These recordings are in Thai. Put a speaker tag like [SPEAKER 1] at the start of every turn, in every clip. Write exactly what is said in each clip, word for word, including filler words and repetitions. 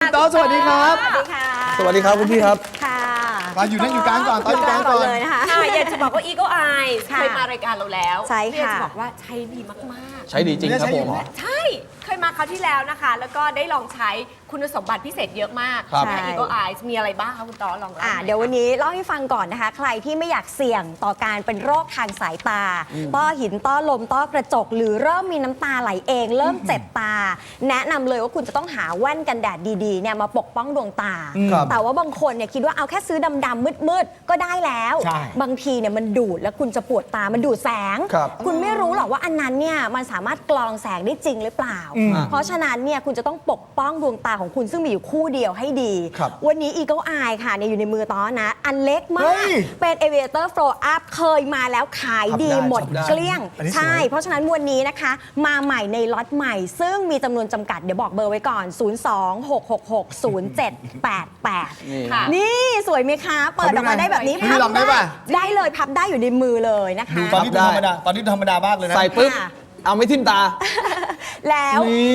[SPEAKER 1] คุณต๊อดสวัสดีครับ
[SPEAKER 2] สวัสดีค่ะ
[SPEAKER 3] สวัสดีครับคุณพี่ครับ
[SPEAKER 2] ค่ะ
[SPEAKER 1] ตอนอยู่นั่งอยู่กลางก่อนตอนอยู่กลางก่อน
[SPEAKER 2] เลยนะคะ
[SPEAKER 4] ค่ะอยากจะบอกว่า Eagle Eye
[SPEAKER 2] ค่ะ
[SPEAKER 4] เคยมารายการเราแล้ว
[SPEAKER 2] ใช่ค่ะ
[SPEAKER 4] อยากจะบอกว่าใช้ดีมาก
[SPEAKER 3] ใช้ดีจริงครับผม
[SPEAKER 4] ๆ ใช่ เคยมาคราวที่แล้วนะคะ แล้วก็ได้ลองใช้คุณสมบัติพิเศษเยอะมาก
[SPEAKER 3] ครับ
[SPEAKER 4] ใน Eagle Eye มีอะไรบ้างคะคุณต๊อดลองเล่า
[SPEAKER 2] อ่า
[SPEAKER 4] หน่อย
[SPEAKER 2] เดี๋ยววันนี้เล่าให้ฟังก่อนนะคะ ใครที่ไม่อยากเสี่ยงต่อการเป็นโรคทางสายตา ต้อหินต้อลมต้อกระจก หรือเริ่มมีน้ำตาไหลเอง เริ่มเจ็บตา แนะนำเลยว่าคุณจะต้องหาแว่นกันแดดดีๆเนี่ยมาปกป้องดวงตา
[SPEAKER 3] ครับ
[SPEAKER 2] แต่ว่าบางคนเนี่ยคิดว่าเอาแค่ซื้อดำๆมืดๆก็ได้แล้ว
[SPEAKER 1] ใช่
[SPEAKER 2] บางทีเนี่ยมันดูดแล้วคุณจะปวดตามันดูดแสง
[SPEAKER 3] ครับ
[SPEAKER 2] คุณไม่รู้หรอกว่าอันนั้นเนี่ยมันสามารถกรองแสงได้จริงหรือเปล่า เพราะฉะนั้นเนี่ยคุณจะต้องปกป้องดวงตาของคุณซึ่งมีอยู่คู่เดียวให้ดี
[SPEAKER 3] ครับ
[SPEAKER 2] วันนี้ Eagle Eye ค่ะเนี่ยอยู่ในมือต้อนะ อันเล็กมา
[SPEAKER 1] เฮ้
[SPEAKER 2] ก
[SPEAKER 1] ย
[SPEAKER 2] เป็น Aviator Flow Up เคยมาแล้วขายดี
[SPEAKER 3] พับได้
[SPEAKER 2] หมด
[SPEAKER 3] พับได้
[SPEAKER 2] เกลี้ยง
[SPEAKER 1] อันนี้สวย
[SPEAKER 2] ใช่ เพราะฉะนั้นวันนี้นะคะ มาใหม่ในล็อตใหม่ ซึ่งมีจำนวนจำกัดเดี๋ยวบอกเบอร์ไว้ก่อน ศูนย์ สอง หก หก หก ศูนย์ เจ็ด แปด แปด
[SPEAKER 3] นี่
[SPEAKER 4] ค่ะ
[SPEAKER 2] นี่สวยไหมคะ เปิดออกมาได้แบบนี้
[SPEAKER 1] คุณพี่ลองได้ป่ะ
[SPEAKER 2] ได้เลยพับได้อยู่ในมือเลยนะคะ
[SPEAKER 1] ดูตอนนี้ดูธรรมดาตอนนี้ดูธรรมดามากเลยนะ
[SPEAKER 3] ใส่ปุ๊บ
[SPEAKER 2] ค่ะ
[SPEAKER 3] เอาไม่ทิ่มตา
[SPEAKER 2] แล้ว
[SPEAKER 3] นี่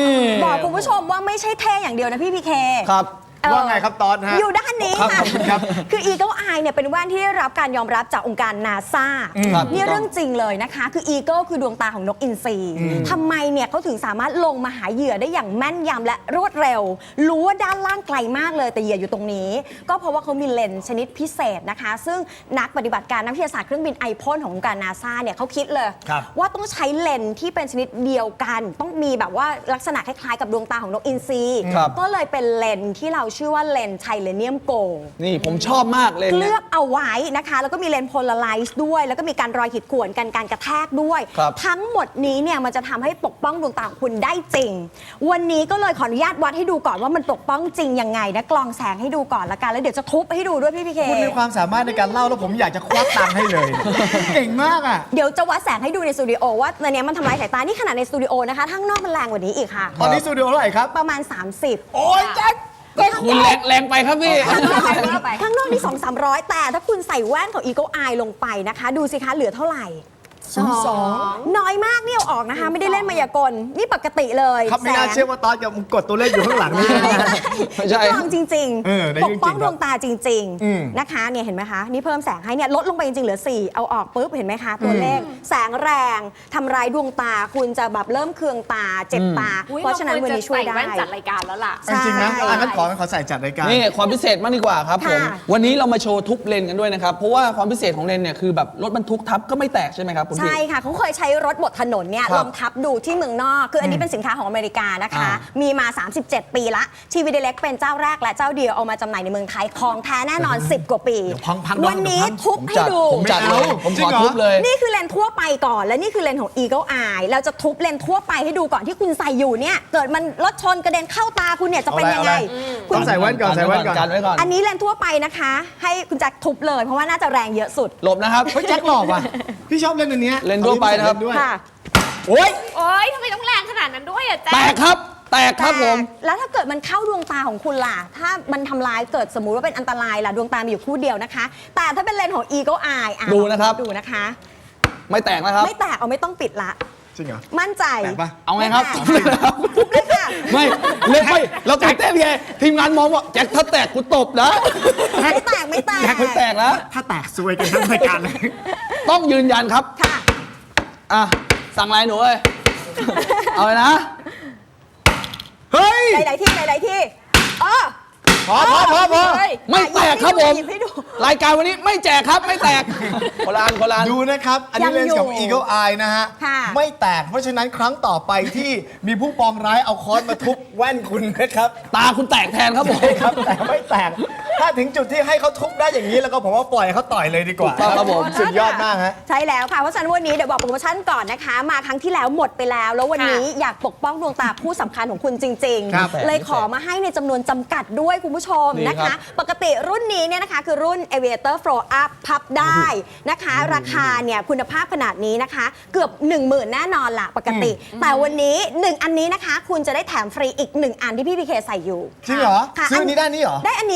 [SPEAKER 2] บอกคุณผู้ชมว่าไม่ใช่เท่อย่างเดียวนะพี่พีเค
[SPEAKER 3] ครับ
[SPEAKER 2] เอ่อ
[SPEAKER 1] ว่าไงครับตอนฮะ
[SPEAKER 2] อยู่ด้านนี้
[SPEAKER 1] ครับ
[SPEAKER 2] ค่ะ
[SPEAKER 1] ขอบคุณครับ
[SPEAKER 2] คือ Eagle Eye เนี่ยเป็นแว่นที่ได้รับการยอมรับจากองค์การนาซา
[SPEAKER 3] ครับ
[SPEAKER 2] นี่เรื่องจริงเลยนะคะ คือ Eagle คือดวงตาของนกอินทรีทำไมเนี่ยเขาถึงสามารถลงมาหาเหยื่อได้อย่างแม่นยำและรวดเร็ว รู้ว่าด้านล่างไกลมากเลยแต่เหยื่ออยู่ตรงนี้ ก็เพราะว่าเขามีเลนส์ชนิดพิเศษนะคะ ซึ่งนักปฏิบัติการนักวิทยาศาสตร์เครื่องบินไอพ่นขององค์การนาซาเนี่ยเขาคิดเลย
[SPEAKER 1] ครับ
[SPEAKER 2] ว่าต้องใช้เลนส์ที่เป็นชนิดเดียวกัน ต้องมีแบบว่าลักษณะคล้ายๆกับดวงตาของนกอินทรี
[SPEAKER 3] ครับ
[SPEAKER 2] ก็เลยเป็นเลนส์ที่เราชื่อว่าเลนส์ไทเลเนียมโกลด์
[SPEAKER 3] นี่ผมชอบมากเลย
[SPEAKER 2] เลื
[SPEAKER 3] เนี่
[SPEAKER 2] อย กเอาไว้นะคะ แล้วก็มีเลนส์โพลาไรซ์ด้วย แล้วก็มีการรอยขีดข่วนกันการกระแทกด้วย
[SPEAKER 3] ครับ
[SPEAKER 2] ทั้งหมดนี้เนี่ยมันจะทำให้ปกป้องดวงตาของคุณได้จริง วันนี้ก็เลยขออนุญาตวัดให้ดูก่อนว่ามันปกป้องจริงยังไงนะกลองแสงให้ดูก่อนละกันแล้วเดี๋ยวจะทุบให้ดูด้วยพี่พีเค
[SPEAKER 1] คุณมีความสามารถในการเล่าแล้วผมอยากจะควักตังค์ให้เลย เก่งมากอ่ะ
[SPEAKER 2] เดี๋ยวจะวัดแสงให้ดูในสตูดิโอว่าในเนี้ยมันทำลายสายตานี่ขนาดในสตูดิโอนะคะข้างนอกมันแรงกว่านี้อีกค่ะ
[SPEAKER 1] ตอนนี้สตูดิโอเท่าไหร่ครับ
[SPEAKER 2] ประมาณ สามสิบ
[SPEAKER 1] โอ้ยแจ็ค
[SPEAKER 3] คุณแรงแรงไปครับพี่
[SPEAKER 2] ข้างนอกข้างนอกนี่สองสามร้อยแต่ถ้าคุณใส่แว่นของ Eagle Eye ลงไปนะคะ ดูสิคะเหลือเท่าไหร่
[SPEAKER 1] ศูนย์สอง
[SPEAKER 2] น้อยมากเนี่ยเอาออกนะคะ ไม่ได้เล่นมายากล นี่ปกติเลย
[SPEAKER 1] ครับไม่น่าเชื่อว่าตอนจะกดตัวเลขอยู่ข้างหลังนี่นะ
[SPEAKER 3] ไม่ใช่
[SPEAKER 2] ลองจริง
[SPEAKER 1] เออได้
[SPEAKER 2] ป
[SPEAKER 1] จริ
[SPEAKER 2] ก
[SPEAKER 1] งๆ
[SPEAKER 2] ป้องดวงตาจริง
[SPEAKER 1] อืม
[SPEAKER 2] ๆนะคะเนี่ยเห็นไหมคะนี่เพิ่มแสงให้เนี่ยลดลงไปจริงๆเหลือสี่เอาออกปุ๊บเห็นไหมคะตัวเลขแสงแรงทำร้ายดวงตาคุณจะแบบเริ่มเคืองตาเจ็บตา
[SPEAKER 4] อุ๊ย
[SPEAKER 2] เพราะฉะนั้นวันนี้ช่วยได้
[SPEAKER 4] เราควรจะใส่แว่นจัดรายการแล้วล่ะ
[SPEAKER 2] ใช่
[SPEAKER 1] จริงๆนะอ่ะงั้นขอขอใส่จัดรายการ
[SPEAKER 3] นี่ความพิเศษมากดีกว่าครับผม
[SPEAKER 2] ค่ะ
[SPEAKER 3] วันนี้เรามาโชว์ทุบเลนกันด้วยนะครับ เพราะว่าความพิเศษของเลนเนี่ยคือแบบรถบรรทุกทับก็ไม่แตกใช่ไหมครับคุณพี่
[SPEAKER 2] ใช่ค่ะเขาเคยใช้รถบดถนนเนี่ย
[SPEAKER 3] ครับ
[SPEAKER 2] ลองทับดูที่เมืองนอก คืออันนี้เป็นสินค้าของอเมริกานะคะ
[SPEAKER 3] อ่า
[SPEAKER 2] มีมา สามสิบเจ็ด ปีละทีวีเดเล็กเป็นเจ้าแรกและเจ้าเดียวเอามาจำหน่ายในเมืองไทยของแท้แน่นอน สิบ กว่าปี
[SPEAKER 1] เดี๋ยวพังพัง
[SPEAKER 2] วันนี้
[SPEAKER 1] เดี๋ยวพัง
[SPEAKER 2] ทุบ
[SPEAKER 3] ผม
[SPEAKER 2] ให้
[SPEAKER 3] จัด
[SPEAKER 2] ดู
[SPEAKER 3] ผมจัดเลย ผม
[SPEAKER 1] จริ
[SPEAKER 3] ของ
[SPEAKER 1] เหรอ
[SPEAKER 3] ทุบเลย
[SPEAKER 2] นี่คือเลนส์ทั่วไปก่อน และนี่คือเลนส์ของ Eagle Eye เราจะทุบเลนส์ทั่วไปให้ดูก่อนที่คุณใส่อยู่เนี่ยเกิดมันรถชนกระเด็นเข้าตาคุณเนี่ยจะเป็นยังไง
[SPEAKER 1] เอาอะไร ต้องใส่แว่นก่อนใส่แว่นก่อน
[SPEAKER 3] กันไว้ก่อน
[SPEAKER 2] อันนี้เลนส์ทั่วไปนะคะ ให้คุณแจ็คทุบเลยเพราะว่าน่าจะแรงเยอะสุด
[SPEAKER 3] หลบนะครับ
[SPEAKER 1] เฮ้ยแจ็คหล่อว่ะพี่ชอบเล่นอันเนี้ย
[SPEAKER 3] เล่นทั่วไปนะครับ
[SPEAKER 1] เล่ด้วย
[SPEAKER 2] ค่ะ
[SPEAKER 3] โอ้ย
[SPEAKER 4] โอ๊ยทำไมต้องแรงขนาดนั้นด้วยอะแจ๊
[SPEAKER 3] แตกครับ แตกครับผม
[SPEAKER 2] แต่แล้วถ้าเกิดมันเข้าดวงตาของคุณล่ะ ถ้ามันทำร้ายเกิดสมมุติว่าเป็นอันตรายล่ะ ดวงตามีอยู่คู่เดียวนะคะ แต่ถ้าเป็นเลนส์ของ Eagle Eye อ่ะ
[SPEAKER 3] ดูนะครับ
[SPEAKER 2] ดูนะคะ
[SPEAKER 3] ไม่แตกนะครับ
[SPEAKER 2] ไม่แตกเอาไม่ต้องปิดละ
[SPEAKER 1] จริงเหรอ
[SPEAKER 2] มั่นใจ
[SPEAKER 1] แตกปะ
[SPEAKER 3] เอาไงครับ
[SPEAKER 2] ม่แตกทุบเลยค่ะ
[SPEAKER 3] ไม่เล่นไม่เราตื่นเต้นไงทีมงานมองว่าแจ็คถ้าแตกกูตบนะ
[SPEAKER 2] ไม่แตกไม่แตก
[SPEAKER 3] แจ็คไม่แตกแล้ว
[SPEAKER 1] ถ้าแตกซวยกันทั้งรายการเลย
[SPEAKER 3] ต้องยืนยันครับ
[SPEAKER 2] ค่ะ
[SPEAKER 3] อ่ะ สั่งอะไรหนูเอ้ย เอาเลยนะ
[SPEAKER 1] เฮ้ย
[SPEAKER 2] หลายๆที่หลายๆที่เออ
[SPEAKER 1] พอพอพอพอ
[SPEAKER 2] เฮ้ย
[SPEAKER 3] ไม่แตกครับผม
[SPEAKER 2] หยิบให้ดู
[SPEAKER 3] รายการวันนี้ไม่แจกครับไม่แตกโคลานโคลาน
[SPEAKER 1] ดูนะครับ อันนี้
[SPEAKER 2] ยัง
[SPEAKER 1] เลนส์ของ
[SPEAKER 2] อยู่
[SPEAKER 1] Eagle Eye นะฮะ
[SPEAKER 2] ค่ะ
[SPEAKER 1] ไม่แตก เพราะฉะนั้นครั้งต่อไปที่มีผู้ปองร้ายเอาค้อนมาทุบแว่นคุณนะครับ
[SPEAKER 3] ตาคุณแตกแทนครับผม
[SPEAKER 1] ใช่ครับ แต่ไม่แตก ถ้าถึงจุดที่ให้เขาทุบได้อย่างนี้แล้วก็ผมว่าปล่อยให้เขาต่อยเลยดีกว่า
[SPEAKER 3] ถูกต้องครับผม
[SPEAKER 1] สุดยอดมากฮะ
[SPEAKER 2] ใช่แล้วค่ะ เพราะฉะนั้นวันนี้เดี๋ยวบอกโปรโมชั่นก่อนนะคะ มาครั้งที่แล้วหมดไปแล้ว แล้ววันนี้อยากปกป้องดวงตาผู้สำคัญของคุณจริง
[SPEAKER 1] ครับ
[SPEAKER 2] ๆ เลยขอมาให้ในจำนวนจำกัดด้วยคุณผู้ชม
[SPEAKER 3] ดี
[SPEAKER 2] นะ
[SPEAKER 3] ครั
[SPEAKER 2] คะ
[SPEAKER 3] บ
[SPEAKER 2] ปกติรุ่นนี้เนี่ยนะคะคือรุ่น Aviator Flow Up พับได้นะคะ ราคาเนี่ยคุณภาพขนาดนี้นะคะ เกือบ หนึ่งหมื่น แน่นอนละปกติ แต่วันนี้หนึ่งอันนี้นะคะ คุณจะได้แถมฟรีอีกหนึ่งอันที่พี่พีเคใส่อยู่
[SPEAKER 1] จริงเหรอ
[SPEAKER 2] ค่ะ
[SPEAKER 1] ซื้ออันนี้ได้นี่เหรอ
[SPEAKER 2] ได้อันนี้ค่ะก็คือ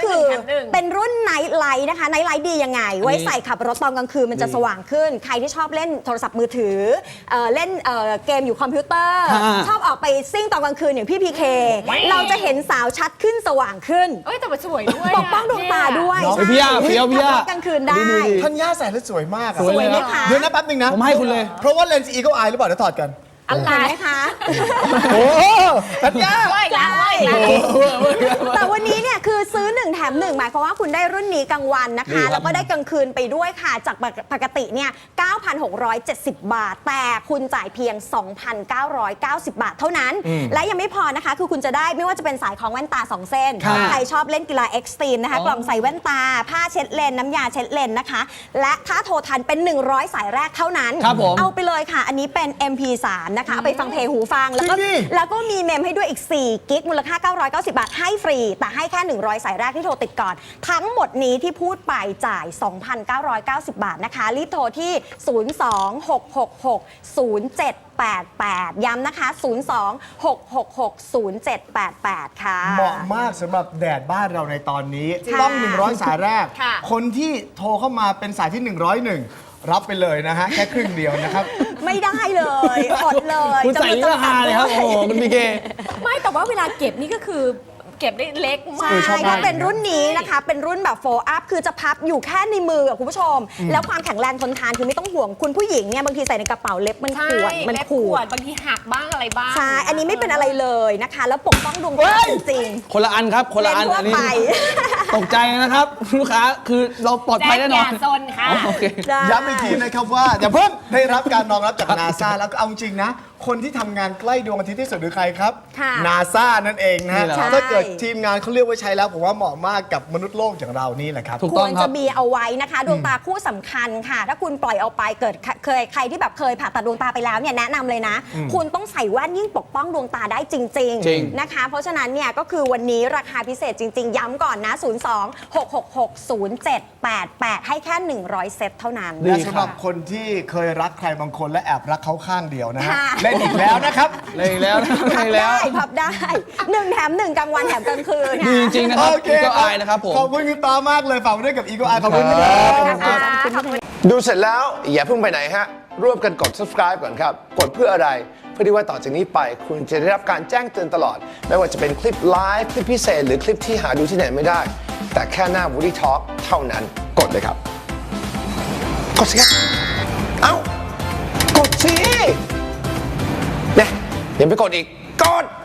[SPEAKER 2] คือ
[SPEAKER 4] หนึ่งแถมหนึ่ง
[SPEAKER 2] เป็นรุ่นไนท์ไลท์นะคะไนท์ไลท์ดียังไง ไว้ใส่ขับรถตอนกลางคืนมันจะสว่างขึ้น ใครที่ชอบเล่นโทรศัพท์มือถือเอ่อเล่นเอ่อเกมอยู่คอมพิวเตอร์
[SPEAKER 3] อ่า
[SPEAKER 2] ชอบออกไปซิ่งตอนกลางคืนอย่างพี่พีเคเราจะเห็นสาวชัดขึ้นสว่างขึ้น
[SPEAKER 4] เอ้ยแต่มันสวยด้วย
[SPEAKER 2] ปกป้องดวงตาด้วย
[SPEAKER 1] น้อง
[SPEAKER 3] เฮ้ยพี่ย่าพี่ย่าพี่ย่า
[SPEAKER 2] ขับรถกลางคืนได้
[SPEAKER 3] ดีดีดี
[SPEAKER 1] ท่านย่าใส่แล้วสวยมากอะ
[SPEAKER 3] สวยเลย
[SPEAKER 2] ไหมคะ
[SPEAKER 1] เดี๋ยวนะแป๊บนึงนะ
[SPEAKER 3] ผมให้คุณเลย
[SPEAKER 1] เพราะว่าเลนส์ Eagle Eye หรือเปล่าเดี๋ยวถอดกัน
[SPEAKER 4] อะไร
[SPEAKER 2] เห็นไหมคะ
[SPEAKER 1] โอ้ท่านย่า
[SPEAKER 4] ว่าอีกแล้วว่าอีกแล้ว
[SPEAKER 2] แต่วันนี้เนี่ยคือซื้อหนึ่งแถมหนึ่งหมายความว่าคุณได้รุ่นนี้กลางวันนะ
[SPEAKER 3] ดีครั
[SPEAKER 2] คะ
[SPEAKER 3] บ
[SPEAKER 2] แล้วก็ได้กลางคืนไปด้วยค่ะ จากปกติเนี่ย เก้าพันหกร้อยเจ็ดสิบ บาท แต่คุณจ่ายเพียง สองพันเก้าร้อยเก้าสิบ บาทเท่านั้น และยังไม่พอนะคะ คือคุณจะได้ไม่ว่าจะเป็นสายของแว่นตา สอง เส้น
[SPEAKER 3] ครับ
[SPEAKER 2] ใครชอบเล่นกีฬาเอ็กซ์ตรีมนะคะ
[SPEAKER 3] อ๋อก
[SPEAKER 2] ล่องใส่แว่นตา ผ้าเช็ดเลน น้ำยาเช็ดเลนนะคะ และถ้าโทรทันเป็น หนึ่งร้อย สายแรกเท่านั้น
[SPEAKER 3] ครับผม
[SPEAKER 2] เอาไปเลยค่ะ อันนี้เป็น เอ็ม พี สาม นะคะเอาไปฟังเพลงหูฟังแล้วก็
[SPEAKER 1] จริงดิ
[SPEAKER 2] แล้วก็มีเมมให้ด้วยอีก สี่กิกมูลค่า เก้าร้อยเก้าสิบ บาท ให้ฟรี แต่ให้แค่ หนึ่งร้อย สายแรกที่โทรติดก่อน ทั้งหมดนี้ที่พูดไปจ่าย สองพันเก้าร้อยเก้าสิบ บาทนะคะ รีบโทรที่ ศูนย์ สอง หก หก หก ศูนย์ เจ็ด แปด แปด ย้ำนะคะ ศูนย์ สอง หก หก หก ศูนย์ เจ็ด แปด แปด ค่ะ
[SPEAKER 1] เหมาะมากสำหรับแดดบ้านเราในตอนนี้
[SPEAKER 2] ค่ะ
[SPEAKER 1] ต้อง หนึ่งร้อย สายแรก
[SPEAKER 4] ค่ะ
[SPEAKER 1] คนที่โทรเข้ามาเป็นสายที่ หนึ่งร้อยเอ็ด รับไปเลยนะฮะ แค่ครึ่งเดียวนะครับ
[SPEAKER 2] ไม่ได้เลยอดเลย
[SPEAKER 3] คุณใส่นี่ราคาเลยครับ โอ้โหคุณพีเค
[SPEAKER 4] ไม่แต่ว่าเวลาเก็บนี่ก็คือเก็บได้เล็กมา
[SPEAKER 2] ใช่
[SPEAKER 4] ก
[SPEAKER 1] ชอบมาก
[SPEAKER 2] ถ้าเป็นรุ่นนี้นะคะ เป็นรุ่นแบบโฟล์อัพคือจะพับอยู่แค่ในมืออะคุณผู้ชม แล้วความแข็งแรงทนทานคือไม่ต้องห่วงคุณผู้หญิงเนี่ยบางทีใส่ในกระเป๋าเล็บมัน
[SPEAKER 4] ใช่
[SPEAKER 2] ขวดมัน
[SPEAKER 4] เล็บ
[SPEAKER 2] ขวด
[SPEAKER 4] บางทีหักบ้างอะไรบ้าง
[SPEAKER 2] ใช่ อันนี้ไม่เป็นอะไรเลยนะคะ แล้วปกป้องดวงตาจริง
[SPEAKER 3] คนละอันครับ คน
[SPEAKER 2] ๆ
[SPEAKER 3] ละอัน
[SPEAKER 2] ทั่ว
[SPEAKER 3] อันนี้
[SPEAKER 2] ไป
[SPEAKER 3] ตกใจนะครับ ลูกค้าคือเราปลอดภัยแน่นอน
[SPEAKER 4] แจ็คอย่าซนค่ะ
[SPEAKER 3] อ๋อโอเค
[SPEAKER 2] ได้
[SPEAKER 1] ย้ำอีกทีนะครับว่าอย่าเพิ่งได้รับการรองรับจากนาซาแล้วก็เอาจริงนะ คนที่ทำงานใกล้ดวงอาทิตย์ที่สุดคือใครครับ
[SPEAKER 2] ค่ะ
[SPEAKER 1] นาซานั่นเองนะฮะ
[SPEAKER 3] นี่แหละ
[SPEAKER 1] ถ้าเกิดทีมงานเขาเรียกว่าใช้แล้วผมว่าเหมาะมากกับมนุษย์โลกอย่างเรานี่แหละครับ
[SPEAKER 3] ถูก
[SPEAKER 2] ค
[SPEAKER 3] ต้
[SPEAKER 2] ว
[SPEAKER 3] อง
[SPEAKER 2] ร
[SPEAKER 3] ครั
[SPEAKER 2] จะ
[SPEAKER 3] บ
[SPEAKER 2] มีเอาไว้นะคะ ดวงตาคู่สำคัญค่ะ ถ้าคุณปล่อยเอาไปเกิดเคยใครที่แบบเคยผ่าตัดดวงตาไปแล้วเนี่ยแนะนำเลยนะ คุณต้องใส่แว่นยิ่งปกป้องดวงตาได้จริง
[SPEAKER 3] จริง
[SPEAKER 2] ๆนะคะ เพราะฉะนั้นเนี่ยก็คือวันนี้ราคาพิเศษจริง ๆ ย้ำก่อนนะ ศูนย์ สอง หก หก หก ศูนย์ เจ็ด แปด แปด ให้แค่ หนึ่งร้อย เซตเท่านั้น
[SPEAKER 3] ดี
[SPEAKER 1] และสำหรับคนที่เคยรักใครบางคนและแอบรักเขาข้างเดียวนะฮะ
[SPEAKER 2] ค่ะ
[SPEAKER 1] เล่นอีกแล้วนะครับ
[SPEAKER 3] เลยอีกแล้วนะเล
[SPEAKER 2] พั
[SPEAKER 3] ย
[SPEAKER 2] บ
[SPEAKER 3] อีกแล้ว
[SPEAKER 2] ได้พับได้หนึ่งแถมหนึ่งกลางวันแถมกลางคืน
[SPEAKER 3] ดีจ
[SPEAKER 2] ค่ะ
[SPEAKER 3] ริงๆนะครับ
[SPEAKER 1] โอเค
[SPEAKER 3] ก็อายนะครับผม
[SPEAKER 1] ขอบคุณคุณตามากเลยฝากไว้ด้วยกับ Eagle Eye ขอบคุณ
[SPEAKER 3] ค
[SPEAKER 1] ค
[SPEAKER 3] รั
[SPEAKER 1] รับ บ
[SPEAKER 2] ขอบคุณค่ะ
[SPEAKER 5] ดูเสร็จแล้วอย่าเพิ่งไปไหนฮะ ร่วมกันกด subscribe ก่อนครับ กดเพื่ออะไร เพื่อที่ว่าต่อจากนี้ไปคุณจะได้รับการแจ้งเตือนตลอด ไม่ว่าจะเป็นคลิปไลฟ์คลิปพิเศษ หรือคลิปที่หาดูที่ไหนไม่ได้ แต่แค่หน้า Woody Talk เท่านั้นกดเลยครับ กดสิครับเอ้า กดสิเนี่ยยังไปกดอีก กด